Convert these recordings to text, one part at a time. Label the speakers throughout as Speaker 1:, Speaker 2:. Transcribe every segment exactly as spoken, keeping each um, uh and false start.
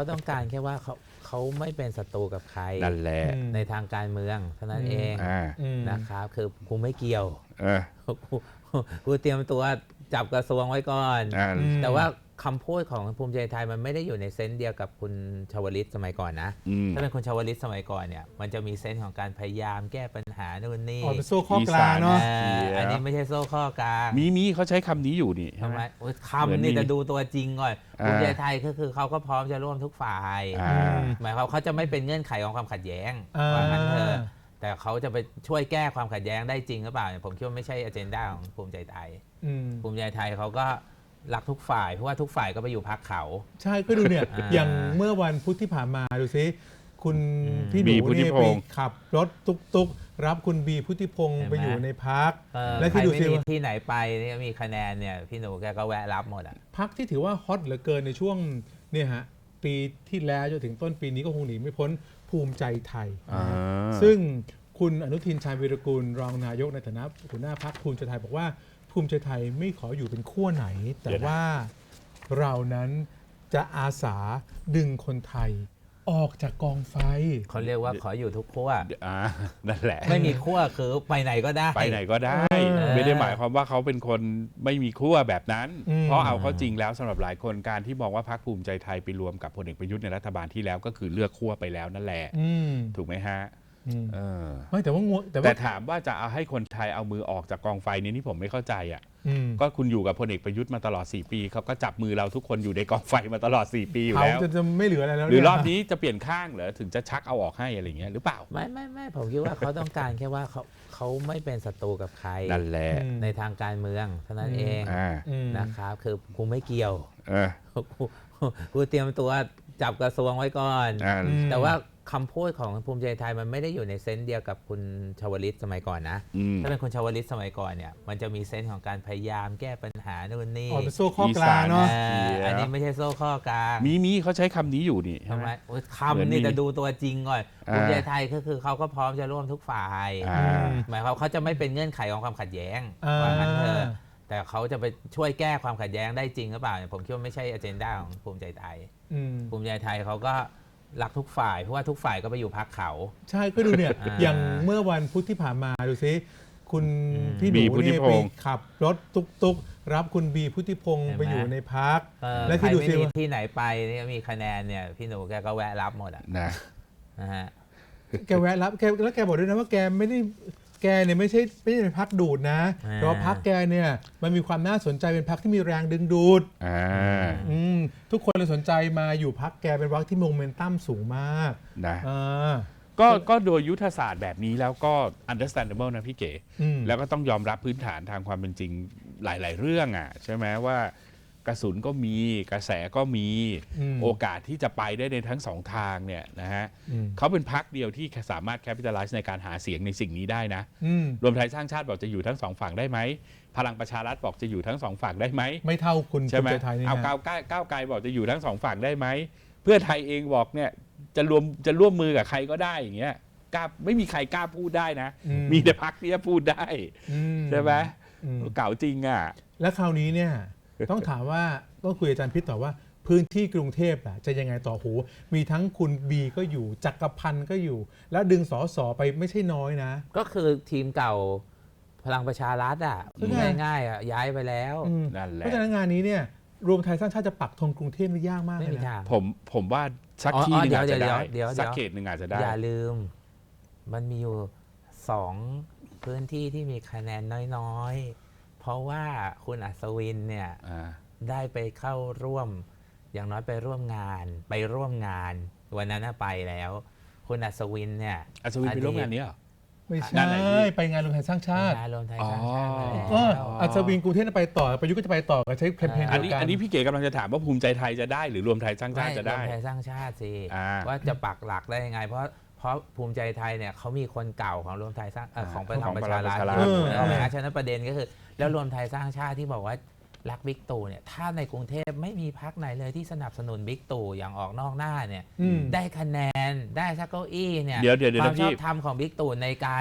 Speaker 1: ต้องการแค่ว่าเขาเขาไม่เป็นศัตรูกับใคร
Speaker 2: นั่นแหละ
Speaker 1: ในทางการเมืองเท่านั้นเองนะครับคือกูไม่เกี่ยวกูกูเตรียมตัวจับกระทรวงไว้ก่อนแต่ว่าคำพูดของภูมิใจไทยมันไม่ได้อยู่ในเซนส์เดียวกับคุณชวลิตสมัยก่อนนะถ้าเป็นคุณชวลิตสมัยก่อนเนี่ยมันจะมีเซนส์ของการพยายามแก้ปัญหานู่นนี่
Speaker 3: อ๋อเป็นโซ่ข้อกลางเนาะ
Speaker 1: อันนี้ไม่ใช่โซ่ข้อกลาง
Speaker 2: มีมีเขาใช้คำนี้อยู่นี่
Speaker 1: ทำไมคำนี่จะดูตัวจริงก่อนภูมิใจไทยก็คือเขาก็พร้อมจะร่วมทุกฝ่ายหมายความเขาจะไม่เป็นเงื่อนไขของความขัดแย้งว่างั้นเถอะแต่เขาจะไปช่วยแก้ความขัดแย้งได้จริงหรือเปล่าผมคิดว่าไม่ใช่อเจนดาของภูมิใจไทยภูมิใจไทยเขาก็รักทุกฝ่ายเพราะว่าทุกฝ่ายก็ไปอยู่พรรคเขา
Speaker 3: ใช่ก็ดูเนี่ย อย่างเมื่อวันพุธที่ผ่านมาดูซิคุณพี่หนูเนี่ยไปขับรถตุ๊กๆรับคุณบีพุทธิพงศ์ไปอยู่ในพรรค
Speaker 1: และที่ดูซิว่าที่ไหนไปนี่มีคะแนนเนี่ยพี่หนูแกก็แวะรับหมดอ่ะ
Speaker 3: พรรคที่ถือว่าฮอตเหลือเกินในช่วงเนี่ยฮะปีที่แล้วจนถึงต้นปีนี้ก็คงหนีไม่พ้นภูมิใจไทยซึ่งคุณอนุทินชาญวีรกูลรองนายกในฐานะหัวหน้าพรรคภูมิใจไทยบอกว่าภูมิใจไทยไม่ขออยู่เป็นขั้วไหนแต่ว่าเรานั้นจะอาสาดึงคนไทยออกจากกองไฟ
Speaker 1: เขาเรียกว่าขออยู่ทุกขั้ว
Speaker 2: นั่นแหละ
Speaker 1: ไม่มีขั้วคือไปไหนก็ได้
Speaker 2: ไปไหนก็ได้ไม่ได้หมายความว่าเขาเป็นคนไม่มีขั้วแบบนั้นเพราะเอาเข้าจริงแล้วสำหรับหลายคนการที่มองว่าพรรคภูมิใจไทยไปรวมกับพลเอกประยุทธ์ในรัฐบาลที่แล้วก็คือเลือกขั้วไปแล้วนั่นแหละถูกไหมฮะ
Speaker 3: ไม่แต่ว่า
Speaker 2: แต่ถามว่าจะเอาให้คนไทยเอามือออกจากกองไฟนี้นี่ผมไม่เข้าใจอ่ะก็คุณอยู่กับพลเอกประยุทธ์มาตลอดสี่ปีเขาก็จับมือเราทุกคนอยู่ในกองไฟมาตลอดสี่ปีอยู่แล้ว
Speaker 3: จะไม่เหลืออะไรแล้ว
Speaker 2: หรือรอบนี้จะเปลี่ยนข้างเหรอถึงจะชักเอาออกให้อะไรเงี้ยหรือเปล่า
Speaker 1: ไม่ไม่ไม่ผมคิดว่าเขาต้องการแค่ว่าเขาเขาไม่เป็นศัตรูกับใคร
Speaker 2: นั่นแหละ
Speaker 1: ในทางการเมืองเท่านั้นเองนะครับคือกูไม่เกี่ยวกูกูเตรียมตัวจับกระทรวงไว้ก่อนแต่ว่าคำพูดของภูมิใจไทยมันไม่ได้อยู่ในเซนส์เดียวกับคุณชวลิตสมัยก่อนนะถ้าเป็นคุณชวลิตสมัยก่อนเนี่ยมันจะมีเซนส์ของการพยายามแก้ปัญหานู่นนี่
Speaker 3: อ๋อเป็นโซ่ข้อกลางเนาะ
Speaker 1: อันนี้ไม่ใช่โซ่ข้อกลาง
Speaker 2: มีมีเขาใช้คำนี้อยู่นี่
Speaker 1: ทำไมคำนี่จะดูตัวจริงก่อนภูมิใจไทยก็คือเขาก็พร้อมจะร่วมทุกฝ่ายหมายความเขาจะไม่เป็นเงื่อนไขของความขัดแย้งว่างั้นเถอะแต่เขาจะไปช่วยแก้ความขัดแย้งได้จริงหรือเปล่าผมคิดว่าไม่ใช่อเจนดาของภูมิใจไทยภูมิใจไทยเขาก็รักทุกฝ่ายเพราะว่าทุกฝ่ายก็ไปอยู่พรรคเขา
Speaker 3: ใช่ก็ดูเนี่ยอย่างเมื่อวันพุธที่ผ่านมาดูซิคุณพี่หนูเนี่ยไปขับรถตุ๊กๆรับคุณบีพุทธิพงศ์ไปอยู่ในพรรค
Speaker 1: และที่ดูซิว่าที่ไหนไปนี่มีคะแนนเนี่ยพี่หนูแกก็แวะรับหมดอ่ะ
Speaker 2: นะ
Speaker 1: นะฮะ
Speaker 3: แกแวะรับแกแล้วแกบอกด้วยนะว่าแกไม่ได้แกเนี่ยไม่ใช่ไม่ใช่เป็นพรรคดูดนะเพราะพรรคแกเนี่ยมันมีความน่าสนใจเป็นพรรคที่มีแรงดึงดูดทุกคนเลยสนใจมาอยู่พรรคแกเป็นพรรคที่โมเมนตัมสูงมาก
Speaker 2: นะก็ก็โดยยุทธศาสตร์แบบนี้แล้วก็ understandable นะพี่เก๋แล้วก็ต้องยอมรับพื้นฐานทางความเป็นจริงหลายๆเรื่องอ่ะใช่ไหมว่ากระสุนก็มีกระแสก็มีโอกาสที่จะไปได้ในทั้งสองทางเนี่ยนะฮะเขาเป็นพรรคเดียวที่สามารถ capitalize ในการหาเสียงในสิ่งนี้ได้นะรวมไทยสร้างชาติบอกจะอยู่ทั้งสองฝั่งได้ไหมพลังประชารัฐบอกจะอยู่ทั้งสองฝั่งได้ไหม
Speaker 3: ไม่เท่าคุณ
Speaker 2: ใช่ไหมเอาก้าวก้าวไกลบอกจะอยู่ทั้งสองฝั่งได้ไหมเพื่อไทยเองบอกเนี่ยจะรวมจะร่วมมือกับใครก็ได้อย่างเงี้ยกล้าไม่มีใครกล้าพูดได้นะมีแต่พรรคที่จะพูดได้ใช่ไหมเก่าจริงอ่ะ
Speaker 3: แล้วคราวนี้เนี่ยต้องถามว่าต้องคุยอาจารย์พิษต่อว่าพื้นที่กรุงเทพจะยังไงต่อหูมีทั้งคุณบีก็อยู่จักรพันธ์ก็อยู่แล้วดึงสสไปไม่ใช่น้อยนะ
Speaker 1: ก็คือทีมเก่าพลังประชารัฐอ่ะง่ายๆอ่ะย้ายไปแล้ว
Speaker 2: นั่นแหละ
Speaker 3: เพราะฉะนั้นงานนี้เนี่ยรวมไทยสร้างชาติจะปักธงกรุงเทพไม่ยากมากเลยนะ
Speaker 2: ผมผมว่าสักที่นึงอาจจะได้สักเขตหนึ่งอาจจะได้
Speaker 1: อย่าลืมมันมีอยู่สองพื้นที่ที่มีคะแนนน้อยๆเพราะว่าคุณอัศวินเนี่ยได้ไปเข้าร่วมอย่างน้อยไปร่วมงานไปร่วมงานวันนั้นไปแล้วคุณอัศวินเนี่ย
Speaker 2: อัศวินไปร่วมงานนี้เหรอ
Speaker 3: ไม่ใช่ไปงานรวมไทยสร้างชาติ
Speaker 1: งานรวมไทยสร้างชาติ
Speaker 3: อัศวินกรุงเทพไปต่อประยุทธ์ก็จะไปต่อกับใช้แคมเปญเดียวกัน
Speaker 2: อันนี้พี่เก๋กำลังจะถามว่าภูมิใจไทยจะได้หรือรวมไทยสร้างชาติจะได้
Speaker 1: รวมไทยสร้างชาติสิว่าจะปักหลักได้ยังไงเพราะเพราะภูมิใจไทยเนี่ยเขามีคนเก่าของรวมไทยสร้างของพลังประชารัฐเอาไหมฮะฉะนั้นประเด็นก็คือแล้วรวมไทยสร้างชาติที่บอกว่ารักบิ๊กตู่เนี่ยถ้าในกรุงเทพไม่มีพรรคไหนเลยที่สนับสนุนบิ๊กตู่อย่างออกนอกหน้าเนี่ยได้คะแนนได้สักเก้าอี้เนี่ยความชอบธรรมของบิ๊กตู่ในการ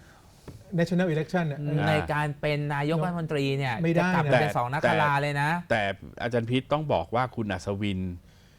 Speaker 3: national election
Speaker 1: ในการเป็นนายกรัฐมนตรีเนี่ยจะกลับเป็นสองนักราเลยนะ
Speaker 2: แต่อาจารย์พิษต้องบอกว่าคุณอัศวิน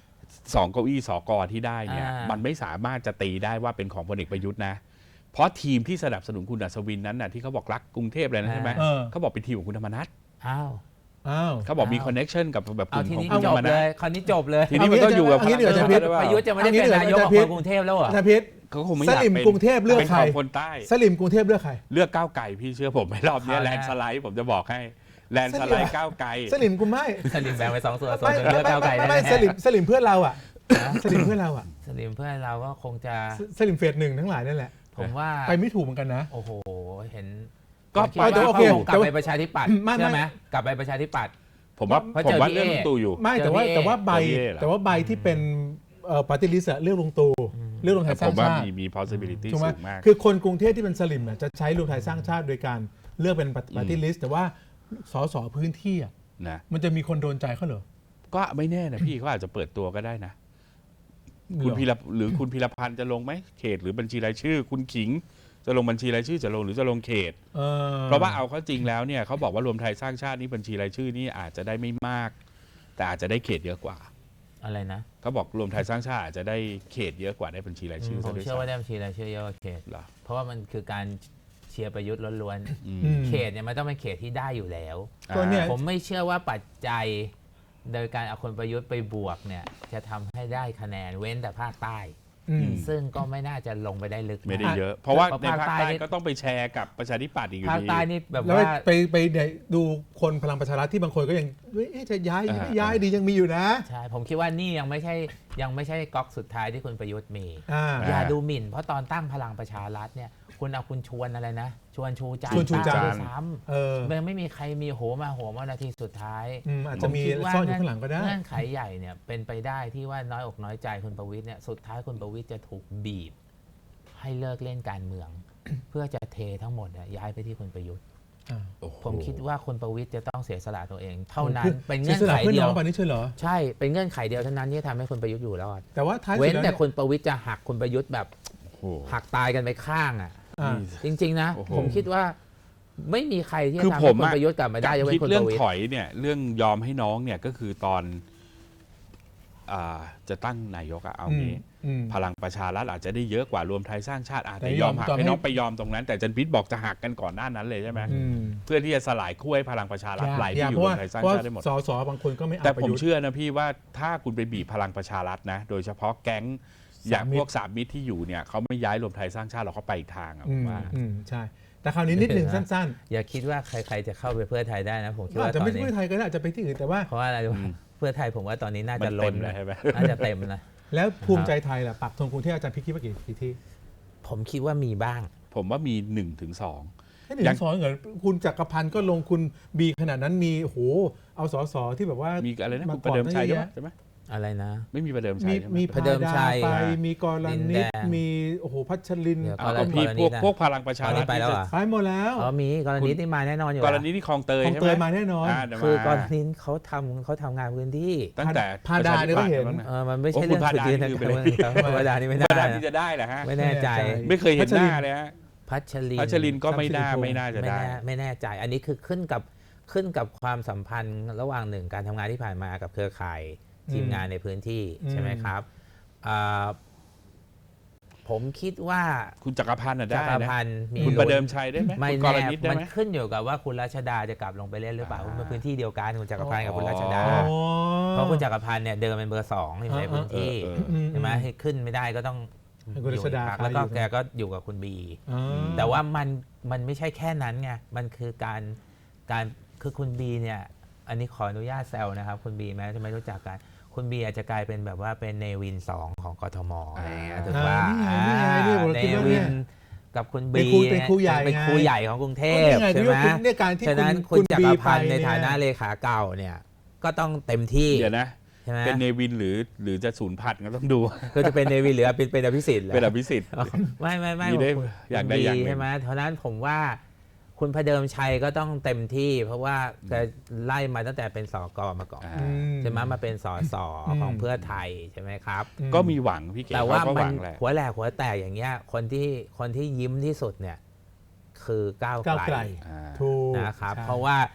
Speaker 2: สองเก้าอี้สกที่ได้เนี่ย
Speaker 1: อ่ามั
Speaker 2: มันไม่สามารถจะตีได้ว่าเป็นของพลเอกประยุทธ์นะเพราะทีมที่สนับสนุนคุณอัศวินนั้นน่ะที่เขาบอกรักกรุงเทพเลยนะใช่ไหม
Speaker 3: เออ
Speaker 2: เขาบอกเป็นทีมของคุณธรรมนัฐ
Speaker 1: อ้าว
Speaker 3: อ้าว
Speaker 2: เขาบอกมี
Speaker 1: อ้าว
Speaker 2: คอนเน็ชันกับแบบก
Speaker 1: เอา
Speaker 2: ลุ่ม
Speaker 1: ที
Speaker 2: ของ
Speaker 1: นี้
Speaker 2: คุณ
Speaker 1: จ
Speaker 2: ธร
Speaker 1: บ
Speaker 2: รมนั
Speaker 1: เล
Speaker 2: ฐ
Speaker 1: ยคราวนี้จบเลย
Speaker 2: ทีนี้มันก็อยู่กับ
Speaker 3: เอางี้เดี๋ยวจะพิจ
Speaker 1: ประยุทธ์จะไม่ได้เป็นนายกของคนกรุงเทพแล้วเหรอ
Speaker 3: อาจารย์พิษ
Speaker 2: เขาคงไม่
Speaker 3: ส
Speaker 2: อยาก
Speaker 3: ลิม
Speaker 2: เป็น
Speaker 3: กรุงเทพเลือก
Speaker 2: เป็น
Speaker 3: ใคร
Speaker 2: ของคนใต้
Speaker 3: สลิมกรุงเทพเลือกใคร
Speaker 2: เลือกก้าวไก่พี่เชื่อผมไหมรอบเนี้ย
Speaker 1: เอา
Speaker 2: แล
Speaker 1: ละ
Speaker 2: นด์สไลด์ผมจะบอกให้แลนด์สไลด์ก้าวไก่
Speaker 3: สลิมกูไม่
Speaker 1: สลิมแบ่งไปสองส่วนส่วน
Speaker 3: ไม่
Speaker 1: หนึ่งเลือกก้าวไกล
Speaker 3: ไม่
Speaker 1: ได้
Speaker 3: ไม่
Speaker 1: แน่
Speaker 3: สลิมสลิมเพื่อนเราอ่ะสลิมเพื่อนเราอ่ะ
Speaker 1: สลิมเพื่อนเราก็คงจะ
Speaker 3: สสลิมเฟสหนึ่งทั้งหลายนั่นแหละ
Speaker 1: ผมว่า
Speaker 3: ไปไม่ถูกเหมือนกันนะ
Speaker 1: โอ้โหเห็น
Speaker 2: ก็
Speaker 1: ผมคิด
Speaker 2: ไป
Speaker 1: ว่า
Speaker 3: แต่โอเค
Speaker 1: เขาคงกลับ
Speaker 3: แต่ว่า
Speaker 1: ไปประชาธิปัตย์
Speaker 3: ไม่ไม่
Speaker 1: ใช่ไหมกลับไปประชาธิปัตย์
Speaker 2: ผมว่า
Speaker 1: เพราะ
Speaker 2: ผม
Speaker 1: เจอ
Speaker 2: ว่า
Speaker 1: พี่
Speaker 2: เรื่อง
Speaker 1: เอ
Speaker 2: ลุงตู่อยู่
Speaker 3: ไม่แต่ว่า
Speaker 1: เจอพี่
Speaker 3: แต่ว่าใบ
Speaker 2: เจอพี่เอเหรอ
Speaker 3: แต่ว่าใบที่เป็นเอ่อปาร์ตี้ลิสต์เลือกลงตูเลือกรวมไท
Speaker 2: แต่
Speaker 3: ยสร้า
Speaker 2: ผ
Speaker 3: ง
Speaker 2: มว่า
Speaker 3: ชาติ
Speaker 2: มีมี possibility
Speaker 3: ถูกไหม
Speaker 2: สูงมาก
Speaker 3: คือคนกรุงเทพที่เป็นสลิมน่ะจะใช้รวมไทยสร้างชาติโดยการเลือกเป็นปาร์ตี้ลิสต์แต่ว่าสสพื้นที่อ่ะ
Speaker 2: นะ
Speaker 3: มันจะมีคนโดนใจเขาเหรอ
Speaker 2: ก็ไม่แน่นะพี่เขาอาจจะเปิดตัวก็ได้นะ คุณ
Speaker 3: เหรอ
Speaker 2: พีรหรือคุณพีรพันธ์จะลงไหมเขตหรือบัญชีรายชื่อ คุณขิงจะลงบัญชีรายชื่อจะลงหรือจะลงเขต
Speaker 3: ออ
Speaker 2: เพราะว่าเอาเข้าจริงแล้วเนี่ยเขาบอกว่ารวมไทยสร้างชาตินี่บัญชีรายชื่อนี่อาจจะได้ไม่มาก แต่อาจจะได้เขตเยอะกว่า
Speaker 1: อะไรนะ
Speaker 2: เขาบอกรวมไทยสร้างชาติอาจจะได้เขตเยอะกว่าได้บัญชีรายชื่อ
Speaker 1: ผ
Speaker 2: ซะ
Speaker 1: ม
Speaker 2: ด้วย
Speaker 1: เชื่อว่าได้
Speaker 2: ซ้ำ
Speaker 1: บัญชีรายชื่อเยอะกว่าเขต
Speaker 2: เหรอ
Speaker 1: เพราะว่ามันคือการเชียร์ประยุทธ์ล้วน
Speaker 2: อืม
Speaker 3: อืม
Speaker 1: ๆเขตเนี่ยมันต้องเป็นเขตที่ได้อยู่แล้ว
Speaker 3: ก็เนี่ย
Speaker 1: ผมไม่เชื่อว่าปัจจัยโดยการเอาคนประยุทธ์ไปบวกเนี่ยจะทำให้ได้คะแนนเว้นแต่ภาคใต้
Speaker 3: อืม
Speaker 1: ซึ่งก็ไม่น่าจะลงไปได้ลึก
Speaker 2: ไม่ได้
Speaker 1: มาก
Speaker 2: เยอะ เพราะว่า
Speaker 1: เพราะ
Speaker 2: ในภาค
Speaker 1: ภาคใต้
Speaker 2: ใต้
Speaker 1: นี่
Speaker 2: ก็ต้องไปแชร์กับประชาธิปัตย์อีกอยู่
Speaker 1: ภาค
Speaker 2: ดี
Speaker 1: ใต้นี่แบบ
Speaker 3: แล้ว
Speaker 1: ว่า
Speaker 3: ไปไปไปดูคนพลังประชารัฐที่บางคนก็ยังเอ๊ะจะย้ายยังไม่ย้ายดียังมีอยู่นะ
Speaker 1: ใช่ผมคิดว่านี่ยังไม่ใช่ยังไม่ใช่ก๊อกสุดท้ายที่คุณประยุทธ์มี
Speaker 3: อ่า
Speaker 1: อย่าดูหมิ่น เพราะตอนตั้งพลังประชารัฐเนี่ยคุณเอาคุณชวนอะไรนะ ชวนชูใจ
Speaker 3: ชวนชูใจ
Speaker 1: ตั้งด้วยซ้
Speaker 3: เออ
Speaker 1: ำมันไม่มีใครมีโหมาโหมานาทีสุดท้าย
Speaker 3: อืมอาจจะมี
Speaker 1: ผคิดว่า
Speaker 3: ซ่อนอยู่ข้างหลังก็ได้
Speaker 1: เงื่อนไขใหญ่เนี่ยเป็นไปได้ที่ว่าน้อยอกน้อยใจคุณประวิตรเนี่ยสุดท้ายคุณประวิตรจะถูกบีบ ให้เลิกเล่นการเมือง เพื่อจะเททั้งหมดเนี่ยย้ายไปที่คุณประยุทธ์
Speaker 3: อ่า
Speaker 2: โอ้โห
Speaker 1: ผมคิดว่าคุณประวิตรจะต้องเสียสละตัวเอง เท่านั้น
Speaker 3: คือ
Speaker 1: เป็นเงื่อน
Speaker 3: สียส
Speaker 1: ไข
Speaker 3: ละพื่
Speaker 1: เดียว
Speaker 3: น้องปานนี้ใช่เหรอ
Speaker 1: ใช่เป็นเงื่อนไขเดียวเท่านั้นที่ทำให้คุณประยุทธ์อยู่รอด
Speaker 3: แต่ว่าท้ายสุ
Speaker 1: เว้
Speaker 3: ด
Speaker 1: น
Speaker 3: แล้ว
Speaker 1: แต่
Speaker 3: เนี่ย
Speaker 1: คุณประวิตรจะหักคุณประยุทธ์แบบ
Speaker 2: โอ้โห
Speaker 1: หักตายกันไปข้างอ่ะ
Speaker 3: อ่า
Speaker 1: จริง ๆ นะ
Speaker 2: โอ้โห
Speaker 1: ผมคิดว่าไม่มีใครที่
Speaker 2: คื
Speaker 1: จะ
Speaker 2: อ
Speaker 1: ทำ
Speaker 2: ผ
Speaker 1: ให้
Speaker 2: ม
Speaker 1: คุณ
Speaker 2: อะ
Speaker 1: ประยุทธ์กลับมาได้ยกเว้
Speaker 2: คิด
Speaker 1: นคุณ
Speaker 2: เรื่
Speaker 1: ป
Speaker 2: อง
Speaker 1: ระวิต
Speaker 2: ถ
Speaker 1: ร
Speaker 2: อยเนี่ยเรื่องยอมให้น้องเนี่ยก็คือตอนอ่าจะตั้งนายกอะเอา
Speaker 3: อืม
Speaker 2: งี้
Speaker 3: อืม
Speaker 2: พลังประชารัฐอาจจะได้เยอะกว่ารวมไทยสร้างชาติอาจ
Speaker 3: แต่
Speaker 2: จะ
Speaker 3: ย
Speaker 2: ย
Speaker 3: อ
Speaker 2: อ
Speaker 3: ม
Speaker 2: มหัก
Speaker 3: ยอม
Speaker 2: ให้
Speaker 3: ให้
Speaker 2: น้องไปยอมตรงนั้น แต่จันพิษบอกจะหักกันก่อนหน้านั้นเลยใช่ไหม
Speaker 3: อืม
Speaker 2: เพื่อที่จะสลายขั้วให้พลังประชารัฐไหล
Speaker 3: อ
Speaker 2: ไป
Speaker 3: ยาก
Speaker 2: อ
Speaker 3: เพ
Speaker 2: ยู่
Speaker 3: ราะ
Speaker 2: รว
Speaker 3: ว่าม
Speaker 2: ไทยสร้าง
Speaker 3: เพราะ
Speaker 2: ชาติได้หมด
Speaker 3: สสบางคนก็ไม่เอา
Speaker 2: แต่
Speaker 3: ประ
Speaker 2: ผม
Speaker 3: ยุทธ์
Speaker 2: เชื่อนะพี่ว่าถ้าคุณไปบีบพลังประชารัฐนะ โดยเฉพาะแก๊งอย่าง
Speaker 3: สามมิตร
Speaker 2: พวกสามมิตรที่อยู่เนี่ยเขาไม่ย้ายรวมไทยสร้างชาติหรอกเขาไปอีกทางอะผ
Speaker 3: อื
Speaker 2: ม
Speaker 3: ม
Speaker 2: ว่า
Speaker 3: อืมใช่ แต่คราวนี้นิดนึงสั้น
Speaker 1: อย่าคิดว่าใคร ๆจะเข้าไปเพื่อไทยได้นะผม
Speaker 3: ๆ
Speaker 1: คิด
Speaker 3: ก็อา
Speaker 1: ว่า
Speaker 3: จจะ
Speaker 1: ตอ
Speaker 3: ไม่
Speaker 1: น
Speaker 3: ใช่
Speaker 1: นี้
Speaker 3: เพื่อไทยก็ได้อาจจะไปที่อื่นแต่ว่า
Speaker 1: เพราะว่าอะไรรู้ไหม
Speaker 2: อืม
Speaker 1: เพื่อไทยผมว่าตอนนี้น่า
Speaker 2: มั
Speaker 1: จะ
Speaker 2: น
Speaker 1: ล้
Speaker 2: เต็
Speaker 1: น
Speaker 2: มเลย
Speaker 1: นะ
Speaker 2: ใช่ไหม
Speaker 1: น่าจะเต็มนะ
Speaker 3: แล้วภูมิใจไทยล่ะปักธงกรุงเทพอาจารย์พิกคิดว่ากี่กี่ที่
Speaker 1: ผมคิดว่ามีบ้าง
Speaker 2: ผมว่ามีหนึ่งถึงสอง
Speaker 3: แค่หนึ่
Speaker 2: ยัง
Speaker 3: งสองเหรอคุณจักรพันธ์ก็ลงคุณบีขนาดนั้นมีโอ้โหเอาสสที่แบบว่า
Speaker 2: มีอะไรนะ
Speaker 3: มา
Speaker 2: คุณประเดิมชัย
Speaker 3: ก่
Speaker 2: ใช่
Speaker 3: อน
Speaker 2: ไหม
Speaker 3: ตั้งเยอะ
Speaker 2: ใช่ไหม
Speaker 1: อะไรนะ
Speaker 2: ไม่มีประเดิมชั
Speaker 3: มี
Speaker 2: ยใช่ไหม
Speaker 3: มี
Speaker 1: พระเดิมชัย
Speaker 3: พาดาไป
Speaker 1: อ่ะ
Speaker 3: มีกร
Speaker 1: ดิน
Speaker 3: ณิ
Speaker 1: แด
Speaker 3: ต
Speaker 1: ง
Speaker 3: มีโอ้โหพัชรินทร์
Speaker 1: เดี๋ยว
Speaker 2: เอา
Speaker 1: กร
Speaker 2: ก็
Speaker 1: ณี
Speaker 2: พี่
Speaker 1: กรณี
Speaker 2: พวก
Speaker 1: นะ
Speaker 2: พวกพลังประชารัฐ
Speaker 1: ตอนนี้ไปแล้วเหรอ
Speaker 3: ไปหมดแล้ว
Speaker 1: อ๋อมีกรณีที่มาแน่นอนอยู่
Speaker 2: กร
Speaker 1: แล้ว
Speaker 2: ณีที่คลองเตย
Speaker 3: ของ
Speaker 2: ใช่
Speaker 3: เต
Speaker 2: ไหม
Speaker 3: ยมาแน่นอน
Speaker 2: าเดี๋ยว
Speaker 1: คือก
Speaker 2: มาร
Speaker 1: ณีเขาทำเขาทำงานพื้นที่
Speaker 2: ตั้งแต่
Speaker 3: พาดาเนี่ยก็เห็น
Speaker 2: ประชาธิปัตย์บ้างะ
Speaker 1: เออมันไม่ใช่
Speaker 2: โอ้
Speaker 1: เรื่อง
Speaker 2: คุณพาดา
Speaker 1: สุดยืน
Speaker 2: นี่
Speaker 1: นะ
Speaker 2: คือ
Speaker 1: ครับธรรมดานี่ไม่
Speaker 2: ธรรม
Speaker 1: ได้
Speaker 2: ดา
Speaker 1: นะ
Speaker 2: ที่จะได้เหรอฮะ
Speaker 1: ไม่แน่ใจ
Speaker 3: ใช่
Speaker 2: ไม่เคยเห็นหน้าเลยฮะ
Speaker 1: พัชริน
Speaker 2: พัชรินก็ไม่น่า
Speaker 3: ทรัพย์สิริพงษ์
Speaker 2: ไม่น่าจะ
Speaker 1: ไม่
Speaker 2: ได้
Speaker 1: แน่ไม่แน่ใจ อันนี้คือขึ้นกับขึ้นกับความสัมพันธ์ระหว่างหนึ่งการทำงานที่ผ่านมากับเครือข่ายทีมงานในพื้นที่
Speaker 3: อืม
Speaker 1: ใช่ไหมครับอ่าผมคิดว่า
Speaker 2: คุณจักรพันธ์น่ะ
Speaker 1: จั
Speaker 2: ได้
Speaker 1: กร
Speaker 2: นะ
Speaker 1: พันธ์มี
Speaker 2: คุณ
Speaker 1: ลุ้น
Speaker 2: ประเดิมชัยได้ไหม
Speaker 1: ไม่
Speaker 2: คุณก
Speaker 1: แน่
Speaker 2: รณิตได้
Speaker 1: มัน
Speaker 2: ไหม
Speaker 1: ขึ้นอยู่กับว่าคุณรัชดาจะกลับลงไปเล่นหรือเปล่า
Speaker 2: อ่า
Speaker 1: มันพื้นที่เดียวกันคุณจักรพันธ์กับคุณรัชดา
Speaker 2: อ๋อ
Speaker 1: เพราะคุณจักรพันธ์เนี่ยเดิมเป็นเบอร์สองอยู่ในพื้นที่
Speaker 2: เออเออ
Speaker 3: อื
Speaker 1: ใช่ไหมให้ขึ้นไม่ได้ก็ต้อง
Speaker 3: ให้คุณรัชดา
Speaker 1: อยู่ในพรรคแล้วก็
Speaker 3: อยู่
Speaker 1: แกก็อยู่กับคุณบี
Speaker 3: อ่า
Speaker 1: แต่ว่ามันมันไม่ใช่แค่นั้นไง มันคือการการคือคุณบีเนี่ย อันนี้ขออนุญาตแซวนะครับ คุณบีแม้จะไม่รู้จักกัน คุณบีอาจจะกลายเป็นแบบว่าเป็นเนวินสองของกทมอะไรอย่างเงี้ยถูกป่ะ
Speaker 3: อ่านี่ไงนี่ไงนี่ผม
Speaker 1: เน
Speaker 3: คิดว่า
Speaker 1: วิ
Speaker 3: เนี่ย
Speaker 1: นกับคุณ
Speaker 3: เป็น
Speaker 1: บี
Speaker 3: ครูเป็นครูใหญ่
Speaker 1: เป็น
Speaker 3: ไง
Speaker 1: ครูใหญ่ของกรุงเทพ
Speaker 3: นี่ไง
Speaker 1: ใช่
Speaker 3: ที่
Speaker 1: ไหม
Speaker 3: ว่าคุณเนี่ยการที่
Speaker 1: ฉะนั้น
Speaker 3: คุ
Speaker 1: คุณ ณจักร
Speaker 3: บี
Speaker 1: พันธ์
Speaker 3: ไป
Speaker 1: ใน
Speaker 3: เนี่ย
Speaker 1: ฐานะเลขาเก่าเนี่ย ก็ต้องเต็มที่
Speaker 2: เดี๋ยวนะ
Speaker 1: ใช่ไหม
Speaker 2: เป็นเนวินหรือหรือจะศูนย์พันก็ต้องดู
Speaker 1: ก็จะเป็นเนวินหรือเป็นเป็นอภิสิทธิ์หรอ
Speaker 2: เป็นอภิสิทธิ์
Speaker 1: ไม่ไม่ไม่
Speaker 2: มีได้
Speaker 1: ผม
Speaker 2: อย่างใดอย่างหนึ่ง
Speaker 1: ใช่ไหมเพราะฉะนั้นผมว่าคุณพระเดิมชัยก็ต้องเต็มที่ เพราะว่าแกไล่มาตั้งแต่เป็นสกมาก่อน
Speaker 2: อ่า
Speaker 3: อื
Speaker 1: ใช่ไหมมาเป็นสส
Speaker 3: อืม
Speaker 1: ของเพื่อไทยใช่ไหมครับ
Speaker 3: อืม
Speaker 2: ก็มีหวังพี่เก๋
Speaker 1: แต่ว่า
Speaker 2: เขก็
Speaker 1: มั
Speaker 2: ห
Speaker 1: น
Speaker 2: วังแหละ
Speaker 1: หัวแหลกหัวแตกอย่างเงี้ยคนที่คนที่ยิ้มที่สุดเนี่ยคือก้าว
Speaker 3: ก้าว
Speaker 1: ไก
Speaker 3: ไก
Speaker 1: ล
Speaker 3: ล
Speaker 2: อ่า
Speaker 3: ถูก
Speaker 1: นะครับ
Speaker 3: ใช่
Speaker 1: เพราะว่า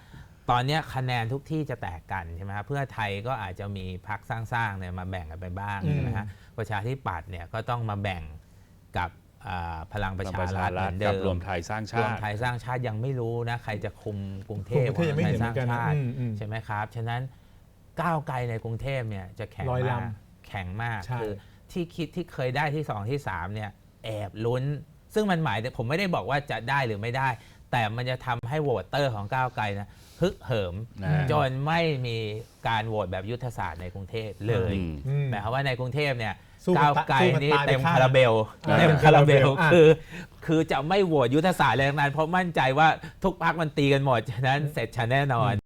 Speaker 1: ตอนนี้คะแนนทุกที่จะแตกกันใช่ไหมครับเพื่อไทยก็อาจจะมีพรรคสร้างๆเนี่ยมาแบ่งกันไปบ้างใช่ไหมฮะประชาธิปัตย์เนี่ยก็ต้องมาแบ่งกับพลังประชารัฐเหมือนเดิม
Speaker 2: รวมไทยสร้างชาร
Speaker 1: วม
Speaker 2: ติ
Speaker 1: ไทยสร้างชาติยังไม่รู้นะใครจะคุมกรุงเทพ
Speaker 3: กรุงเทพยังไม่
Speaker 1: ไท
Speaker 3: เห็
Speaker 1: ย
Speaker 3: น
Speaker 1: สร้าง
Speaker 3: เหมือนกันนะ
Speaker 1: ชาติ
Speaker 3: อืมอืม
Speaker 1: ใช่ไหมครับฉะนั้นก้าวไกลในกรุงเทพเนี่ยจะแข็ง
Speaker 3: ลอยลำ
Speaker 1: มากแข็งมาก
Speaker 3: ใช่
Speaker 1: คือที่คิดที่เคยได้ที่สองที่สามเนี่ยแอบลุ้น ซึ่งมันหมายถึงผมไม่ได้บอกว่าจะได้หรือไม่ได้ แต่มันจะทำให้โหวตเตอร์ของก้าวไกลนะฮึกเหิม
Speaker 2: นะ
Speaker 1: จนไม่มีการโหวตแบบยุทธศาสตร์ในกรุงเทพเลย
Speaker 2: อืม
Speaker 3: อืม
Speaker 1: หมายความว่าในกรุงเทพเนี่ย
Speaker 3: สู้กัน
Speaker 1: ก้าวไกล
Speaker 3: สู้กัน
Speaker 1: นี่
Speaker 3: ตายไป
Speaker 1: เต็ม
Speaker 3: ข้าง
Speaker 1: คาราเบล
Speaker 3: อ่า
Speaker 1: เต็มคาราเบล
Speaker 3: อ่ะ
Speaker 1: คือคือจะไม่โหวตยุทธศาสตร์อะไรทั้งนั้นเพราะมั่นใจว่าทุกพรรคมันตีกันหมดฉะนั้นเสร็จฉันแน่นอน